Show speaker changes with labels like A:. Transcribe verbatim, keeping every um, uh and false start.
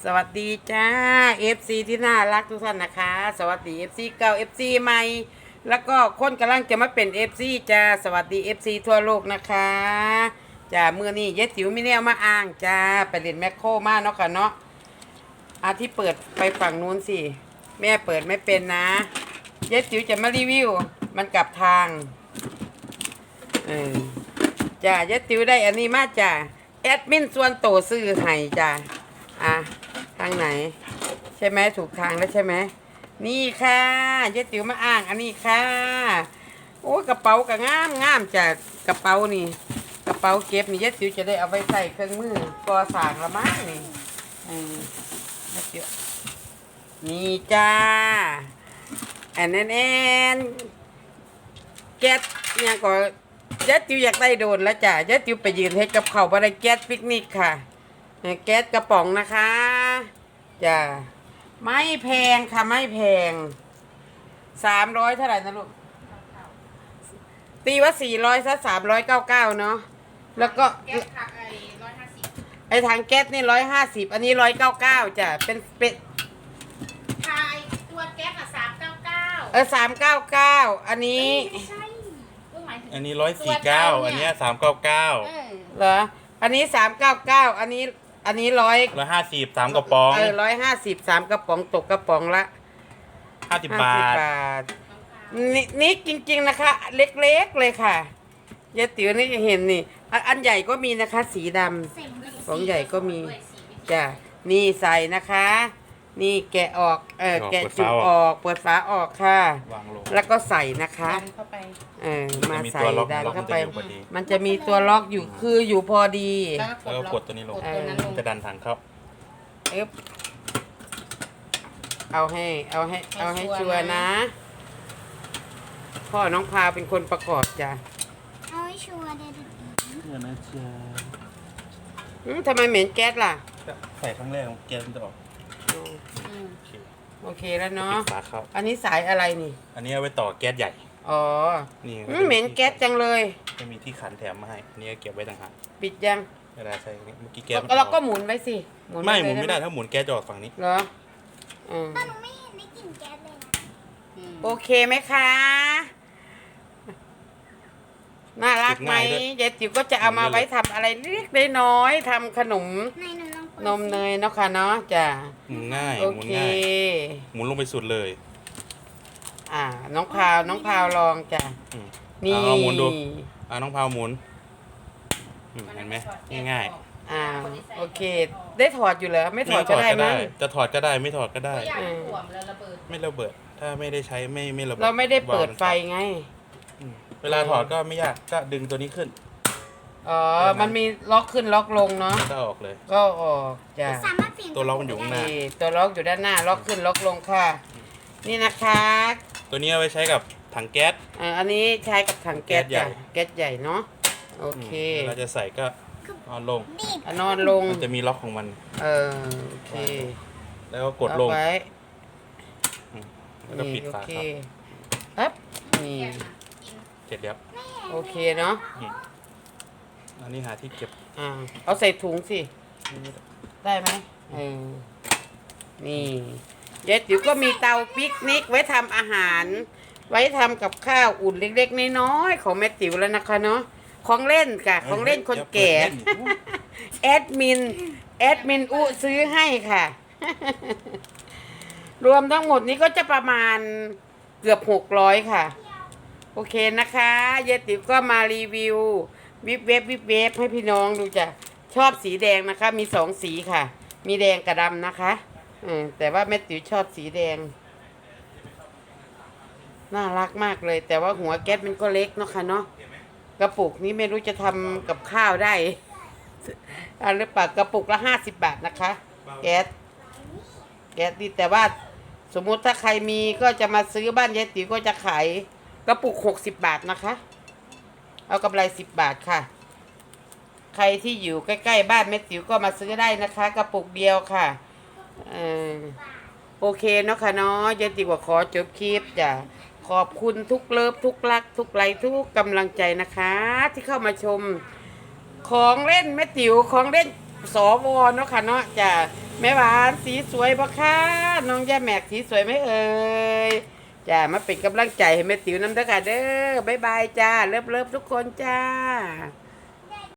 A: สวัสดีจ้า เอฟ ซี ที่น่ารักทุกท่านนะคะ สวัสดี เอฟ ซี เก่า เอฟ ซี ใหม่แล้วก็คนกำลังจะมาเป็น เอฟ ซี จ้าสวัสดี เอฟ ซี ทั่วโลกนะคะจ้ามือนี้เย็ดติ๋วมีแนวมาอ้างจ้าไปเล่นแมคโครมาเนาะค่ะเนาะอาที่เปิดไปฝั่งนู้นสิแม่เปิดไม่เป็นนะเย็ดติ๋วจะมารีวิวมันกลับทางเออจ้าเย็ดติ๋วได้อันนี้มาจ้าแอดมินส่วนโตซื้อให้จ้าอ่ะทางไหนใช่ไหมถูกทางแล้วใช่ไหมนี่ค่ะเจ๊ติ๋วมาอ้างอันนี้ค่ะโอ้กระเป๋ากระงามงามจากกระเป๋านี่กระเป๋าเก็บนี่เจ๊ติ๋วจะได้เอาไปใส่เครื่องมือก่อสร้างละมั้งนี่อืมเจ๊ติ๋วนี่จ้าแอนแอนแอนแก๊สเนี่ยก็เจ๊ติ๋วอยากได้โดนแล้วจ้ะเจ๊ติ๋วไปยืนให้กับเขาบะไรแก๊สปิกนิกค่ะแก๊สกระป๋องนะคะจ้าไม่แพงค่ะไม่แพงสามร้อยเท่าไหร่นะลูกตีว่าสี่ร้อยซะสามร้อยเก้าเก้าเนาะแล้วก็
B: แก๊สผักไอ้ร้อยห้าสิบ
A: ไอ้ถังแก๊สนี่ร้อยห้าสิบอันนี้ร้อยเก้าเก้าจ้ะเป็นเป็น
B: ทายตัวแก๊สอ่ะสามเก้าเก้า
A: เออสามเก้าเก้าอันนี้
B: ไม่ใช่ก็หมายถึง
C: อันนี้ร้อยสี่เก้าอันเนี้สามเก้าเก้า
B: เออ
A: เหรออันนี้สามเก้าเก้าอันนี้อันนี้ร้อย
C: ร้อยห้าสิบสามกระป๋อง
A: เออร้อยห้าสิบสามกระป๋องตกกระป๋องละ
C: ห้าสิบบาท
A: บาทนี่นี่จริงๆนะคะเล็กๆเลยค่ะยายติ๋วนี่จะเห็นนี่อันอันใหญ่ก็มีนะคะสีดำของใหญ่ก็มีจ้ะนี่ใส่นะคะ นี่แกะออกเออแกะจุกออกเปิดฝาออกค่ะแล้วก็ใส่นะคะ
B: ดันเข้าไป
A: เออมาใส่
C: ตัวล็อก
A: ดันเข้าไป
C: มันจะอยู่พอดี
A: มันจะมีตัวล็อกอยู่คืออยู่พอดี
B: แล้ว
C: แล้ว
B: ก็
C: ก็
B: ก
C: ก
B: ด
C: ดตัวนี้ลง
B: กดตัวนั้นลง
C: จะดันถังเข้า
A: เอ๊บเอาให้เอาให้เอาให้ชัวร์นะพ่อน้องพาเป็นคนประกอบจ้ะ
D: เอาให้ชัวร์เด็ด
C: เนี่ยนะเชีย
A: อืมทำไมเหม็นแก๊สล่ะ
C: ใส่ครั้งแรกแกมันจะออก
A: อืม
B: อืม
C: โอเค
A: โอเคแล้วเนาะ
C: ปิดฝาเข้า
A: อันนี้สายอะไรนี่
C: อันนี้เอาไว้ต่อแก๊สใหญ่
A: อ๋อ
C: นี่
A: อืมเหม็นแก๊สจังเลย
C: จะมีที่ขันแถมมาให้อันนี้เก็บไว้ต่างหาก
A: ปิดยัง
C: เวลาใช้เมื่อกี้แก๊สมัน
A: เราก็
C: ออ
A: หมุนไว้สิ
C: ไม่
A: ว้
C: หมุนไม่ได้
A: ห
C: ถ้าหมุนแก๊สจะออกฝั่งนี้
A: เหรออืม
D: ๆป้าหนูไม่เห็นได้กลิ่นแก๊สเลยนะ
B: อืม
A: โอเคไหมคะน่ารักไหมยายติ๋วก็จะเอามาไว้ทำอะไรเล็กๆน้อยๆทำขนม
D: ในหนูลองเปิด
A: นมเนยเนาะค่ะเนาะจ้ะ
C: หมุนง่าย
A: โอ
C: หมุน
A: เค
C: ง่ายหมุนลงไปสุดเลย
A: อ่า น้องพาวน้องพาวลองจ้ะ
C: อืม
A: นี่
C: เอาเอาหมุนดูอ่าน้องพาวหมุนอืมเห็นไหมง่าย
A: อ่าโอเค ได้ถอดอยู่เหรอไม่
C: ๆ
A: ถอดก็ได้มั้ง
C: จะถอดก็ได้ไม่ถอดก็ได้
B: ตัวอย่างมันถ่วมแล้วระเบิด
C: ไม่ระเบิด ถ้าไม่ได้ใช้ไม่ไม่ระเบิด
A: เราไม่ได้เปิดไฟไง
C: อืมเวลาถอดก็ไม่ยากก็ดึงตัวนี้ขึ้น
A: อ๋อมันมีล็อกขึ้นล็อกลงเนาะ
C: ก็ออกเลย
A: ก็ออกจ้ะ
D: สามารถเปลี่ยน
C: ตัวล็อกมันอยู่ข้างหน้า
A: นี่ตัวล็อกอยู่ด้านหน้าล็อกขึ้นล็อกลงค่ะ นี่นะคะ
C: ตัวนี้เอาไว้ใช้กับถังแก๊ส
A: อ่าอันนี้ใช้กับถังแก๊ส
C: แก๊สใหญ่
A: จ้ะแก๊สใหญ่เนาะโอเค
C: มเราจะใส่ก็เอาลง
D: ดีด
A: อ่ะนอนลง
C: มันจะมีล็อกของมัน
A: เออโอเค
C: แล้วก็กดลง
A: เอาไว้
C: อืมแล้วก็ปิด
A: นี่โอ
C: ฝา
A: เค
C: ครับ
A: ปั๊บนี่
C: เสร็จแล้ว
A: โอเคเนาะ
C: นี่อันนี้หาที่เก็บ
A: อ่าเอาใส่ถุงสิ ได้ไหมเออนี่ยายติ๋วก็มีเตาปิกนิกไว้ทำอาหาร ไว้ทำกับข้าวอุ่นเล็กๆน้อยๆของแม่ติ๋วแล้วนะคะเนาะของเล่นค่ะของเล่นคนแก่ แอดมินแอดมินอุซื้อให้ค่ะ รวมทั้งหมดนี้ก็จะประมาณเกือบหกร้อยค่ะ โอเคนะคะยายติ๋วก็มารีวิววิบเว็บวิบเว็บให้พี่น้องดูจ้ะชอบสีแดงนะคะ มีสองสีค่ะ มีแดงกับดำนะคะอืมแต่ว่าแม่ติ๋วชอบสีแดงน่ารักมากเลย แต่ว่าหัวแก๊สมันก็เล็กเนาะค่ะเนาะกระปุกนี้ไม่รู้จะทำกับข้าวได้อันหรือเปล่ากระปุกละห้าสิบบาทนะคะ แก๊สแก๊สดีแต่ว่าสมมุติถ้าใครมีก็จะมาซื้อบ้านยายติ๋วก็จะขายกระปุกหกสิบบาทนะคะเอากำไรสิบบาทค่ะใครที่อยู่ใกล้ๆบ้านแม่ติ๋วก็มาซื้อได้นะคะ กระปุกเดียวค่ะเออโอเคเนาะค่ะเนาะยายติ๋วก็ขอจบคลิปจ้ะขอบคุณทุกเลิฟทุกรัก ทุกไลค์ทุกกำลังใจนะคะ ที่เข้ามาชมของเล่นแม่ติ๋วของเล่นสวเนาะค่ะเนาะจ้ะแม่หวานสีสวยปะคะน้องย่าแหมกสีสวยไหมเอ่ยจ้ามาเป็นกำลังใจให้แม่ติ๋วน้ำเด้อค่ะเด้อบ๊ายบายจ้าเลิฟเลิฟทุกคนจ้า